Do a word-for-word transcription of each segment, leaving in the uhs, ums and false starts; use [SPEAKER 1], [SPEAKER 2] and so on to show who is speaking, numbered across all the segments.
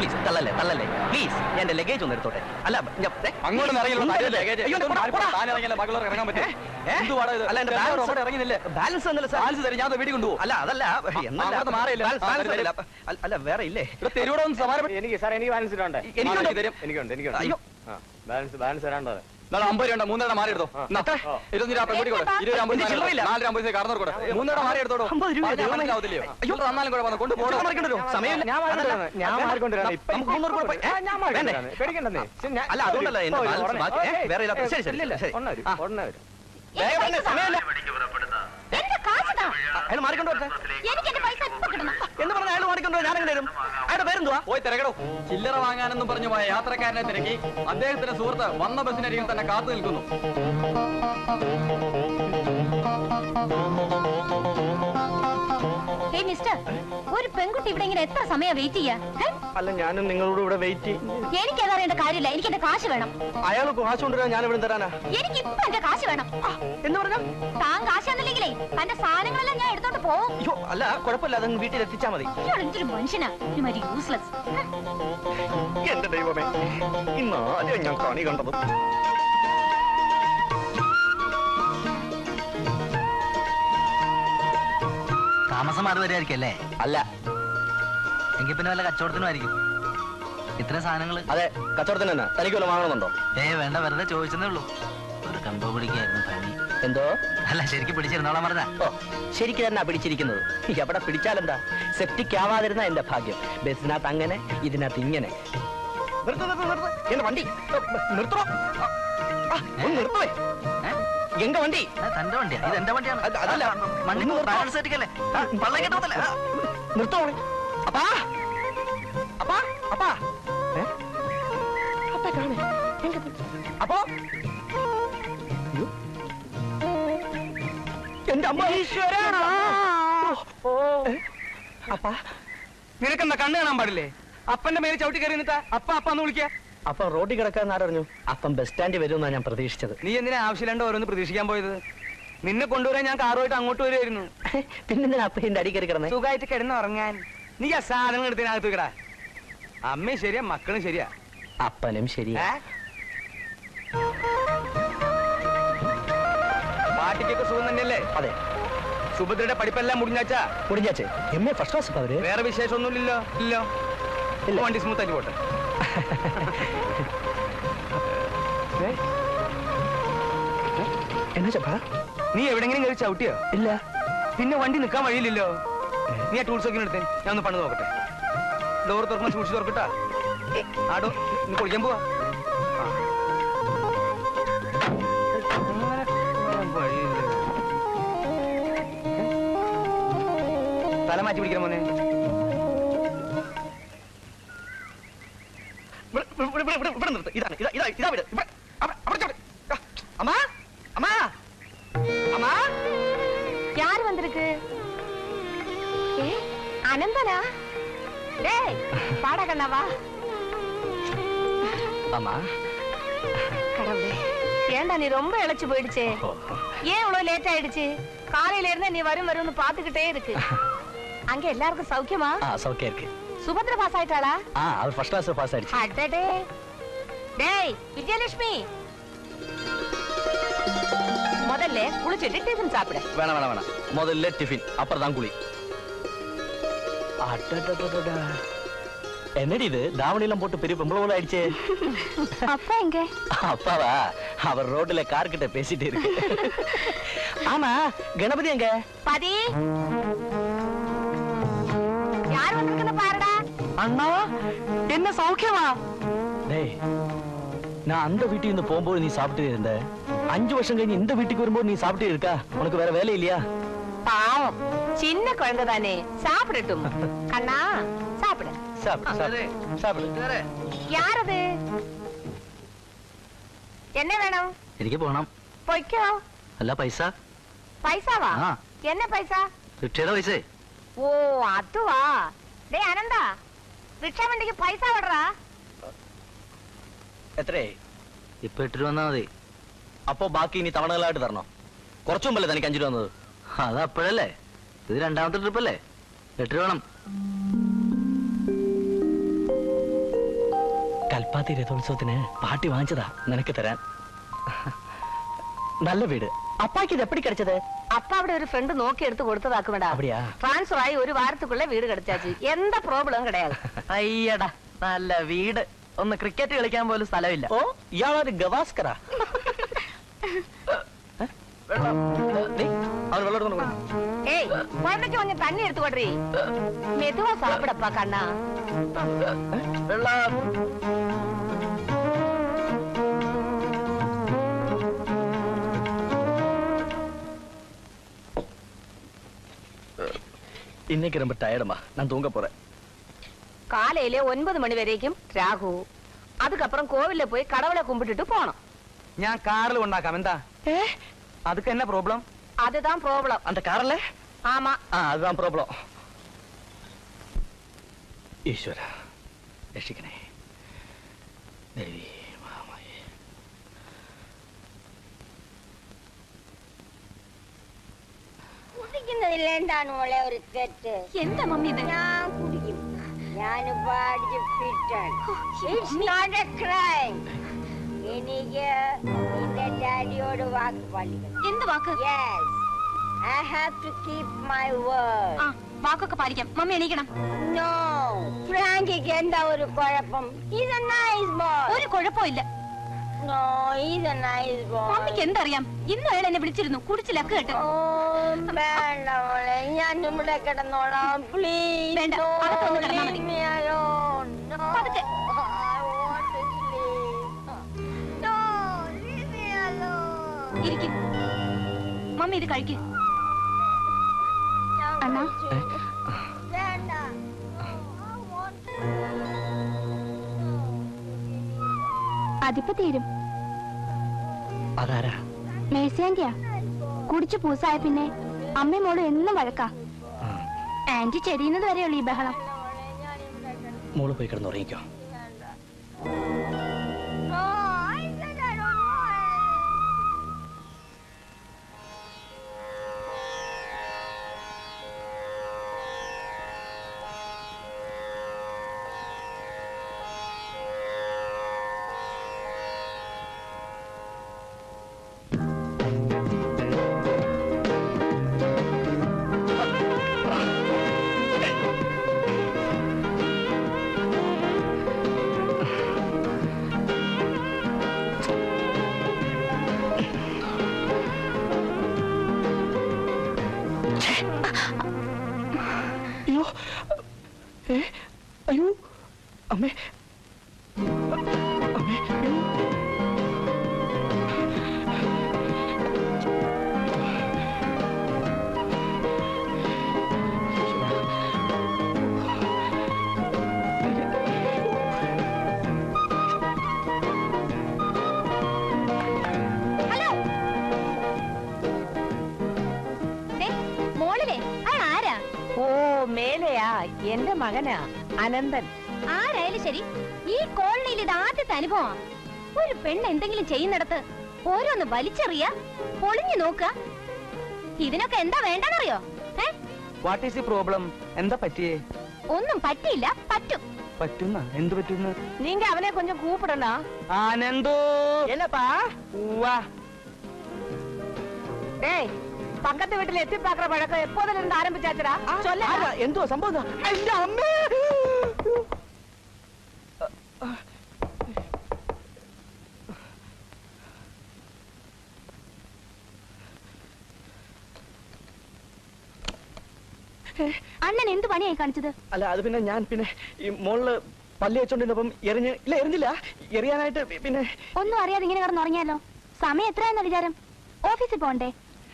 [SPEAKER 1] Please തള്ളല്ലേ തള്ളല്ലേ please എന്റെ ലഗേജ് ഒന്ന് എടുത്തോട്ടെ. അല്ല
[SPEAKER 2] അങ്ങോട്ട്
[SPEAKER 1] ബാലൻസ് ഞാൻ വീട്ടിൽ കൊണ്ടുപോകും. അല്ല അതല്ല അല്ല വേറെ ഇല്ലേ
[SPEAKER 2] തെരുവോടൊന്നും സമാനം.
[SPEAKER 3] എനിക്ക് സാർ എനിക്ക് ബാലൻസ് ഇട്ടുണ്ട്. എനിക്കുണ്ട് എനിക്കുണ്ട്.
[SPEAKER 1] അയ്യോ
[SPEAKER 3] ബാലൻസ് ബാലൻസ് തരാണ്ടത്.
[SPEAKER 2] അമ്പത് രൂപ മൂന്നര മാറി എടുത്തോ. ഇരുപത്തി ഇരുപത് അമ്പത് നാലര അമ്പത് കടന്നു കൊടുക്കും. മൂന്നര മാറി എടുത്തോളൂ. അയ്യോ തന്നാലും കുഴപ്പമില്ല കൊണ്ടുപോകണം.
[SPEAKER 1] സമയം
[SPEAKER 3] ഞാൻ മാറിക്കൊണ്ടിരാണ്. പേടിക്കണ്ടെന്നേ.
[SPEAKER 1] അല്ല അതുകൊണ്ടല്ല വേറെ ശരി ശരി ശരി അയാൾ മാറിക്കൊണ്ടു എന്ന് പറഞ്ഞ അയാൾ മാറിക്കൊണ്ടു ഞാൻ എങ്ങനെ വരും? അയാളുടെ പേരെന്തുവാ?
[SPEAKER 2] പോയി തിരക്കടോ. ചില്ലറ വാങ്ങാനെന്നും പറഞ്ഞു പോയ യാത്രക്കാരനെ തിരക്കി അദ്ദേഹത്തിന്റെ സുഹൃത്ത് വന്ന ബസ്സിനരികിൽ തന്നെ കാത്തു നിൽക്കുന്നു.
[SPEAKER 4] ഒരു പെൺകുട്ടി ഇവിടെ ഇങ്ങനെ എത്ര സമയം വെയിറ്റ് ചെയ്യാ?
[SPEAKER 1] അല്ല ഞാനും നിങ്ങളോട് ഇവിടെ വെയിറ്റ്.
[SPEAKER 4] എനിക്കതറിയേണ്ട കാര്യമില്ല. എനിക്ക് എന്റെ കാശ് വേണം.
[SPEAKER 1] അയാൾ കാശ് കൊണ്ടുവരാൻ ഞാൻ ഇവിടെ തരാനാ?
[SPEAKER 4] എനിക്ക് ഇപ്പൊ എന്റെ കാശ് വേണം.
[SPEAKER 1] എന്ന് പറഞ്ഞാൽ
[SPEAKER 4] താൻ കാശ് തന്നില്ലെങ്കിലേ തന്റെ സാധനങ്ങളെല്ലാം ഞാൻ എടുത്തോണ്ട് പോകും.
[SPEAKER 1] അയ്യോ അല്ല കുഴപ്പമില്ല അതങ്ങ് വീട്ടിൽ എത്തിച്ചാ മതി.
[SPEAKER 4] എന്തൊരു മനുഷ്യനാ യൂസ്ലെസ്.
[SPEAKER 1] എന്റെ ദൈവമേ ഇന്ന് ആദ്യം ഞാൻ കണി കണ്ടത്.
[SPEAKER 5] താമസം മാറി വരികയായിരിക്കും അല്ലേ?
[SPEAKER 1] അല്ല
[SPEAKER 5] എങ്കിൽ പിന്നെ വല്ല കച്ചവടത്തിനും ആയിരിക്കും ഇത്ര സാധനങ്ങൾ.
[SPEAKER 1] അതെ കച്ചവടത്തിന് തന്നെ. തനിക്ക് വല്ല വാങ്ങണമെന്നുണ്ടോ?
[SPEAKER 5] ഏ വേണ്ട വെറുതെ ചോദിച്ചതേ ഉള്ളൂ. ഒരു കമ്പോ പിടിക്കായിരുന്നു പണി.
[SPEAKER 1] എന്തോ?
[SPEAKER 5] അല്ല ശരിക്കും പിടിച്ചിരുന്നോളാം പറഞ്ഞ.
[SPEAKER 1] ഓ ശരിക്ക് തന്നെ പിടിച്ചിരിക്കുന്നത്. എവിടെ പിടിച്ചാലെന്താ? സെപ്റ്റിക് ആവാതിരുന്ന എന്റെ ഭാഗ്യം. ബസ്സിനകത്ത് അങ്ങനെ ഇതിനകത്ത് ഇങ്ങനെ. എന്റെ വണ്ടി നിർത്തോ നിർത്തുവേ. എങ്ക വണ്ടി?
[SPEAKER 5] തന്റെ വണ്ടിയാ? ഇത് എന്റെ വണ്ടിയാണ്.
[SPEAKER 1] അതല്ല നിർത്തോ. അപ്പാ അപ്പാ അപ്പാ അപ്പാ കാണേ അപ്പോ എന്റെ അമ്മ ഈശ്വരാ.
[SPEAKER 2] അപ്പാ നിനക്കെന്താ കണ്ണ് കാണാൻ പാടില്ലേ? അപ്പന്റെ മേലെ ചവിട്ടി കയറി നിന്നിട്ട് അപ്പ അപ്പാന്ന് വിളിക്കാ.
[SPEAKER 1] അപ്പം റോഡിൽ കിടക്കാൻ ആരറിഞ്ഞു? അപ്പം ബസ് സ്റ്റാൻഡിൽ വരുമെന്നാണ് ഞാൻ പ്രതീക്ഷിച്ചത്.
[SPEAKER 2] നീ എന്തിനാ ആവശ്യമില്ലാണ്ട് ഓരോന്ന് പ്രതീക്ഷിക്കാൻ പോയത്? നിന്നെ കൊണ്ടുവരാൻ ഞാൻ കാറുമായിട്ട് അങ്ങോട്ട് വരുമായിരുന്നു.
[SPEAKER 1] പിന്നെ അപ്പം എന്റെ അടി കയറി കിടന്നേ?
[SPEAKER 2] സുഖമായിട്ട് കിടന്ന് ഉറങ്ങാൻ. നീ ആ സാധനങ്ങൾ എടുത്തതിനകത്ത് കിടാ. അമ്മയും ശരിയാ മക്കളും ശരിയാ
[SPEAKER 1] അപ്പനും ശരിയാ.
[SPEAKER 2] പാട്ടിക്കൊക്കെ സുഖം തന്നെയല്ലേ?
[SPEAKER 1] അതെ.
[SPEAKER 2] സുഭദ്രയുടെ പഠിപ്പെല്ലാം മുടിഞ്ഞാച്ചാ?
[SPEAKER 1] മുടിഞ്ഞാച്ചേ എം എ ഫസ്റ്റ് ക്ലാസ്. അവര്
[SPEAKER 2] വേറെ വിശേഷമൊന്നുമില്ലല്ലോ? ഇല്ലോ ഇല്ല. വണ്ടി സ്മൂത്ത് ആയിട്ട് പോട്ടെ.
[SPEAKER 1] എന്നാ ചപ്പാ
[SPEAKER 2] നീ എവിടെങ്കിലും കയറി ചവിട്ടിയോ?
[SPEAKER 1] ഇല്ല.
[SPEAKER 2] പിന്നെ വണ്ടി നിൽക്കാൻ വഴിയില്ലല്ലോ. നീ ആ ടൂൾസ് ഒക്കെ എടുത്തേ. ഞാൻ ഒന്ന് പണിത് നോക്കട്ടെ. ഡോർ തുറക്കുമ്പോൾ സൂക്ഷിച്ച് തുറക്കട്ടാ. ആടോ നീ കുളിക്കാൻ പോവാ. തല മാറ്റി പിടിക്കണം മോനെ.
[SPEAKER 1] ഇതാണ് ഇതാ ഇതാ ഇതാ വീട്. അമ്മാ അമ്മാ അമ്മാ
[SPEAKER 4] யார் வந்திருக்கு? ஏ அனந்தனா? டேய் பாடா கண்ணாவா.
[SPEAKER 1] அம்மா
[SPEAKER 4] கடவுளே ஏண்டா நீ ரொம்ப இளைச்சு போயிடுச்சே. ஏன் இவ்வளவு லேட் ஆயிடுச்சு? காலையில இருந்து நீ வரும் வரும்னு பாத்துக்கிட்டே இருக்கு. அங்க எல்லாருக்கும் சௌக்கியமா?
[SPEAKER 1] ஆ சௌக்கியம் இருக்கு.
[SPEAKER 4] சுபத்ரா பாஸ் ஆயிட்டாளா?
[SPEAKER 1] ஆ அவர் ஃபர்ஸ்ட் கிளாஸ் பாஸ் ஆயிடுச்சு.
[SPEAKER 4] அடடே. டேய் விஜயலட்சுமி முதல்ல குளிச்சிட்டு டிஃபன் சாப்பிடு.
[SPEAKER 1] வேணாம் வேணாம் வேணாம். முதல்ல டிஃபன் அப்புறம் தான் குளி. அடடடடடா. என்னடி இது தாவணிலாம் போட்டு பெரிய பொம்பளை போல ஆயிடுச்சே.
[SPEAKER 4] அப்பா எங்க?
[SPEAKER 1] அப்பாவா? அவர் ரோட்ல கார் கிட்ட பேசிட்டு இருக்கு. ஆமா கணபதி எங்க?
[SPEAKER 4] பாதி யார் வந்திருக்குன்னு பாருடா.
[SPEAKER 1] அண்ணா என்ன சௌக்கியமா? டேய் நான் அந்த வீட்டுக்கு இருந்து போகும்போது நீ சாப்பிட்டு இருந்த. அஞ்சு வருஷம் கழிஞ்சு இந்த வீட்டுக்கு வரும்போது நீ சாப்பிட்டு இருக்கா? உனக்கு வேற வேலை இல்லையா?
[SPEAKER 4] பாவம் சின்ன குழந்தை தானே சாப்பிடட்டும். கண்ணா சாப்பிடு.
[SPEAKER 1] சாப்பிடு சாப்பிடு.
[SPEAKER 4] யார் அது? என்ன வேணும்?
[SPEAKER 5] എനിക്ക് പോണം.
[SPEAKER 4] പൊയ്ക്കോ.
[SPEAKER 5] അല്ല പൈസ.
[SPEAKER 4] പൈസവാ? என்ன പൈസ?
[SPEAKER 5] റിക്ഷയുടെ പൈസേ.
[SPEAKER 4] ഓ അതുവാ. ഡേ അനന്ത റിക്ഷ വണ്ടിക്ക് പൈസ വിടറാ.
[SPEAKER 1] എത്രയായി?
[SPEAKER 5] ഇപ്പൊ എട്ട് രൂപ വന്നാ മതി.
[SPEAKER 1] അപ്പോ ബാക്കി ഇനി തവണകളായിട്ട് തരണോ? കുറച്ചു മുമ്പല്ലേ തനിക്ക് അഞ്ചു രൂപ വന്നത്?
[SPEAKER 5] അത് അപ്പോഴല്ലേ. ഇത് രണ്ടാമത്തെ ട്രിപ്പ് അല്ലേ? എട്ട് രൂപ വേണം.
[SPEAKER 1] ചപ്പാത്തി രഥോത്സവത്തിന് പാട്ടി വാങ്ങിച്ചതാ നിനക്ക് തരാൻ. നല്ല വീട്. അപ്പാക്ക് ഇത് എപ്പടി കിടച്ചത്?
[SPEAKER 4] அப்பா அப்படி ஒரு ஃப்ரெண்ட் நோக்கி எடுத்து கொடுத்ததாக்குமேடா.
[SPEAKER 1] அப்படியா?
[SPEAKER 4] ட்ரான்ஸ்ஃபர் ஆகி ஒரு வாரத்துக்குள்ள வீடு கிடைச்சாச்சு. எந்த ப்ராப்ளம் கிடையாது.
[SPEAKER 5] അയ്യടാ നല്ല വീട്. ഒന്ന് ക്രിക്കറ്റ് കളിക്കാൻ പോലും സ്ഥലമില്ല.
[SPEAKER 1] ഓ ഇയാളൊരു ഗവാസ്കറാ.
[SPEAKER 4] ஏய் குழந்தைக்கு கொஞ்சம் தண்ணி எடுத்து கொட்றீ. மெதுவா சாப்பிடப்பா கண்ணா.
[SPEAKER 1] இன்னைக்கு ரொம்ப டயர்டுமா, நான் தூங்க போறேன்.
[SPEAKER 4] காலையில ஒன்பது மணி வரைக்கும் ராகு, அதுக்கப்புறம் கோவில்ல போய் கடவுளை கும்பிட்டுட்டு போனோம்.
[SPEAKER 3] ഞാൻ കാറിൽ കൊണ്ടാക്കാം. എന്താ അതൊക്കെ എന്നാ പ്രോബ്ലം?
[SPEAKER 4] அதுதான் ப்ராப்ளம்.
[SPEAKER 1] அந்த கார்ல?
[SPEAKER 4] ஆமா.
[SPEAKER 1] ஆ அதுதான் ப்ராப்ளம். ஈஸ்வர രക്ഷിക്കണേ. ദേവി മാമയെ.
[SPEAKER 6] കുടിക്കുന്നതിൽ എന്താണ് മോളെ ഒരു തെറ്റ്?
[SPEAKER 4] എന്താ മമ്മി ഇത്?
[SPEAKER 6] ഞാൻ കുടിക്കും. ഞാനിപ്പോ അടിച്ച് ഫിറ്റാണ്. It's not a crime. എനിക്ക് നിന്റെ ഡാഡിയോട് വാക്ക് പാലിക്കണം.
[SPEAKER 4] എന്ത് വാക്ക്?
[SPEAKER 6] Yes. I have to keep my word.
[SPEAKER 4] ആ വാക്കൊക്കെ പാലിക്കാം. മമ്മി എണീക്കണം.
[SPEAKER 6] No. ഫ്രാങ്കിക്ക് എന്താ ഒരു കുഴപ്പം? He's a nice boy.
[SPEAKER 4] ഒരു കുഴപ്പമില്ല.
[SPEAKER 6] No, he's a nice boy.
[SPEAKER 4] മമ്മിക്ക് എന്തറിയാം? ഇന്ന് അയാൾ എന്നെ വിളിച്ചിരുന്നു, കുടിച്ച് ലക്ക് കേട്ട്.
[SPEAKER 6] Oh, വേണ്ട മോളെ, ഞാൻ ഇവിടെ കിടന്നോളാം. Please.
[SPEAKER 4] വേണ്ട,
[SPEAKER 6] No,
[SPEAKER 4] അകത്തൊന്ന് കിടന്നാ മതി.
[SPEAKER 6] leave me alone. No.
[SPEAKER 4] പതുക്കെ.
[SPEAKER 6] I want to sleep. No, leave me alone.
[SPEAKER 4] ഇരിക്കും. മമ്മി ഇത് കഴിക്ക്.
[SPEAKER 6] ഞാൻ
[SPEAKER 4] അണ്ണാ.
[SPEAKER 6] കഴിച്ചു. വേണ്ട. No, I want to sleep.
[SPEAKER 7] അതിപ്പോ തീരും.
[SPEAKER 1] അതാരാ?
[SPEAKER 7] മേഴ്സിയാന്റിയാ. കുടിച്ചു പൂസായ പിന്നെ അമ്മയും മോളും എന്നും വഴക്കാ. ആന്റി ചെരിയുന്നത് വരെയുള്ളൂ ഈ ബഹളം.
[SPEAKER 1] മോള് പോയി കിടന്നുറങ്ങിക്കോ.
[SPEAKER 6] No, I said I don't want it.
[SPEAKER 1] അയ്യോ ഏ അയ്യോ അമ്മേ അമ്മേ അയ്യോ.
[SPEAKER 7] ഹലോ. ദേ, മോളിലെ അയാൾ ആരാ?
[SPEAKER 4] ഓ മേലെയാ, എന്റെ മകനാ അനന്തൻ.
[SPEAKER 7] ആരായാലും ശരി, ഈ കോളനിയിൽ ഇത് ആദ്യത്തെ അനുഭവം. ഒരു പെണ്ണ് എന്തെങ്കിലും ചെയ്യുന്നിടത്ത് ഓരോന്ന് വലിച്ചെറിയ, പൊളിഞ്ഞു നോക്ക. ഇതിനൊക്കെ എന്താ വേണ്ടെന്നറിയോ? ഏ
[SPEAKER 3] വാട്ട് ഈസ് ദി പ്രോബ്ലം? എന്താ പറ്റിയേ?
[SPEAKER 7] ഒന്നും പറ്റിയില്ല, പറ്റും.
[SPEAKER 3] പറ്റുന്ന എന്ത് പറ്റുന്ന?
[SPEAKER 4] நீங்க அவனே கொஞ்சம் கூப்பிடணும்.
[SPEAKER 3] ആനന്ദോ.
[SPEAKER 1] என்னப்பா?
[SPEAKER 3] വാ.
[SPEAKER 4] டேய், பக்கத்து வீட்டுல எத்தி பாக்குற பழக்கம் எப்போதுல இருந்து ஆரம்பிச்சாச்சுடா? சொல்ல.
[SPEAKER 1] ആരാ? എന്തോ സംഭവം? എന്റെ അമ്മേ.
[SPEAKER 7] അണ്ണൻ എന്ത് പണിയായി കാണിച്ചത്?
[SPEAKER 1] അല്ല അത് പിന്നെ ഞാൻ പിന്നെ ഈ മോളില് പല്ലി വെച്ചോണ്ടിരുന്നപ്പം എറിഞ്ഞ് ഇല്ല എറിഞ്ഞില്ല എറിയാനായിട്ട് പിന്നെ
[SPEAKER 7] ഒന്നും അറിയാതെ ഇങ്ങനെ കിടന്നുറങ്ങിയാലോ? സമയം എത്രയെന്ന വിചാരം? ഓഫീസിൽ പോണ്ടേ?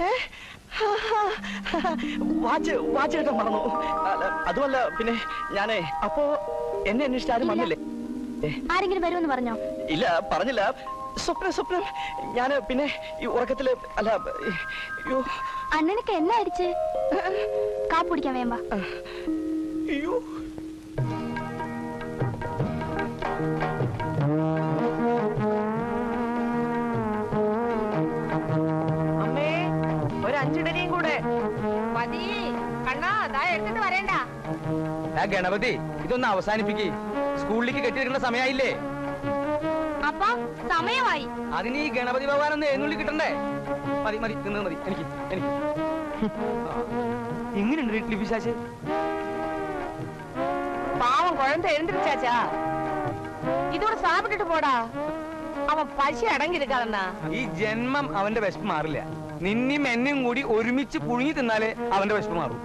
[SPEAKER 1] വാച്ച് വാച്ച് കിട്ടാൻ മറന്നു. അല്ല, അതുമല്ല പിന്നെ ഞാനേ അപ്പോ എന്നെ അന്വേഷിച്ച് ആരും വന്നില്ലേ?
[SPEAKER 7] ആരെങ്കിലും വരുമെന്ന് പറഞ്ഞോ?
[SPEAKER 1] ഇല്ല പറഞ്ഞില്ല. സ്വപ്നം സ്വപ്നം ഞാന് പിന്നെ ഈ ഉറക്കത്തില് അല്ല അയ്യോ
[SPEAKER 7] അണ്ണനക്ക് എന്നാ അടിച്ച്? കാപ്പ് കുടിക്കാൻ വേമ്പ.
[SPEAKER 1] അയ്യോ
[SPEAKER 4] അമ്മേ, ഒരു അഞ്ചിടരിയും കൂടെ മതി. കണ്ണാ ദാ എടുത്തിട്ട് വരേണ്ട.
[SPEAKER 3] ആ ഗണപതി, ഇതൊന്ന് അവസാനിപ്പിക്ക്. സ്കൂളിലേക്ക് കെട്ടിയെടുക്കുന്ന സമയമായില്ലേ?
[SPEAKER 7] അപ്പാ സമയമായി.
[SPEAKER 3] അതിന് ഈ ഗണപതി ഭഗവാനൊന്ന് എഴുന്നള്ളി കിട്ടണ്ടേ? മതി മതി തിന്നത് മതി എനിക്ക് എനിക്ക് എങ്ങനെയുണ്ട് വീട്ടിൽ പിശാച്?
[SPEAKER 4] പാവം കുഴന്ത എഴുந்திരിച്ചാച്ചാ, ഇതോടെ സാപ്പിട്ടിട്ട് പോടാ. അവൻ പശ അടങ്ങിയിരിക്കാതെന്നാ.
[SPEAKER 3] ഈ ജന്മം അവന്റെ വിശപ്പ് മാറില്ല. നിന്നെയും എന്നെയും കൂടി ഒരുമിച്ച് പുഴുങ്ങി തിന്നാലേ അവന്റെ വിശപ്പ് മാറും.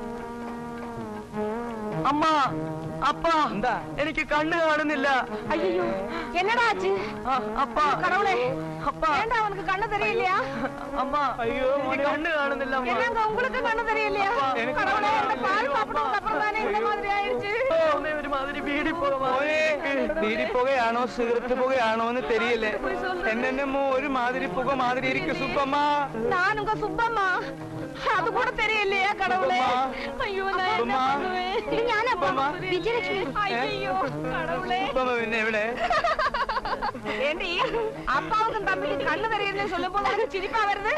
[SPEAKER 1] അമ്മ അപ്പാ
[SPEAKER 3] എന്താ?
[SPEAKER 1] എനിക്ക് കണ്ണ് കാണുന്നില്ല.
[SPEAKER 4] അയ്യോ എന്നടാ ആச்சு?
[SPEAKER 1] അപ്പാ
[SPEAKER 4] கடவுளே,
[SPEAKER 1] அப்பா
[SPEAKER 4] ஏண்டா அவனுக்கு கண்ணு தெரியலையா?
[SPEAKER 1] அம்மா ஐயோ எனக்கு கண்ணு காணுന്നില്ല அம்மா.
[SPEAKER 4] என்னங்க உங்களுக்கு கண்ணு தெரியலையா?
[SPEAKER 3] எனக்கு
[SPEAKER 4] கடவுளே, இந்த பால் சாப்பிட்டதுக்கு அப்புறம் தானே இந்த மாதிரி ஆயிடுச்சு.
[SPEAKER 1] അമ്മേ ഒരു മാതിരി ബീഡി പോവാ.
[SPEAKER 3] ബീഡിപ്പുകയാണോ സിഗരറ്റ് പുകയാണോ എന്ന് തെരിയല്ലേ. എന്നെന്നമ്മോ ഒരു മാതിരി പുക മാതിരി ഇരിക്കും സുപ്പമ്മ.
[SPEAKER 4] நான் உங்க சுப்பம்மா, அது கூட தெரியலையா கடவுளே? ஐயோ நான் என்ன பண்ணுவேன்?
[SPEAKER 7] ഇത് ഞാനപ്പാ വിജയലക്ഷ്മി.
[SPEAKER 4] ஐயோ கடவுளே.
[SPEAKER 3] സുപ്പമ്മ പിന്നെ എവിടെ?
[SPEAKER 4] ஏண்டி அப்பாவுக்கும் தம்பிக்கு கண்ணு தெரியலன்னு சொல்லும் போது உனக்கு சிரிப்பா வருது?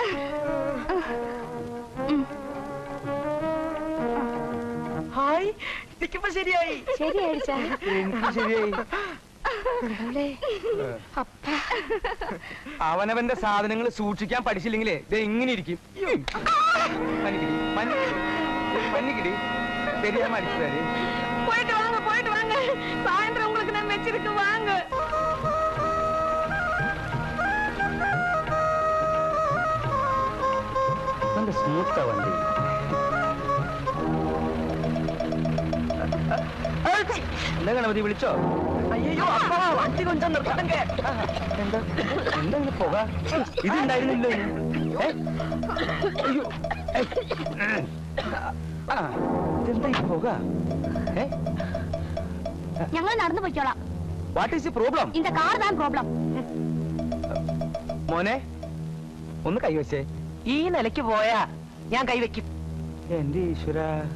[SPEAKER 1] ഹായ് എനിക്കിപ്പോ ശരിയായി.
[SPEAKER 7] ശരിയായിച്ചാ?
[SPEAKER 3] എനിക്ക് ശരിയായി.
[SPEAKER 7] കടവുളേ, അപ്പാ
[SPEAKER 3] അവനവന്റെ സാധനങ്ങൾ സൂക്ഷിക്കാൻ പഠിച്ചില്ലെങ്കിലേ ഇത് എങ്ങനെ ഇരിക്കും? പനിക്കിടി പനിക്കിടി தெரியாம அடிச்சாரு.
[SPEAKER 4] போயிட்டு வாங்க போயிட்டு வாங்க, சாயந்தரம் உங்களுக்கு நான் வச்சிருக்கு வாங்க.
[SPEAKER 3] നല്ല സ്മൂത്താ വണ്ടി. എന്താ ഗണപതി വിളിച്ചോ?
[SPEAKER 1] അയ്യോ അപ്പാ വണ്ടി കൊഞ്ചം നിർത്തണ്ടേ.
[SPEAKER 3] എന്താ എന്താ ഇങ്ങനെ പുക? ഇതുണ്ടായിരുന്നില്ലോ. ഏ? അയ്യോ. ഏയ്. ആ ഇതെന്താ ഈ പുക? ഏ?
[SPEAKER 7] ഞങ്ങൾ നടന്നു പോയിക്കോളാം.
[SPEAKER 3] What is the problem?
[SPEAKER 7] இந்த കാർ தான் പ്രോബ്ലം.
[SPEAKER 3] മോനെ ഒന്ന് കൈവച്ചേ.
[SPEAKER 1] ഈ നിലയ്ക്ക് പോയാ ഞാൻ കൈവയ്ക്കും.
[SPEAKER 3] എന്റെ ഈശ്വര.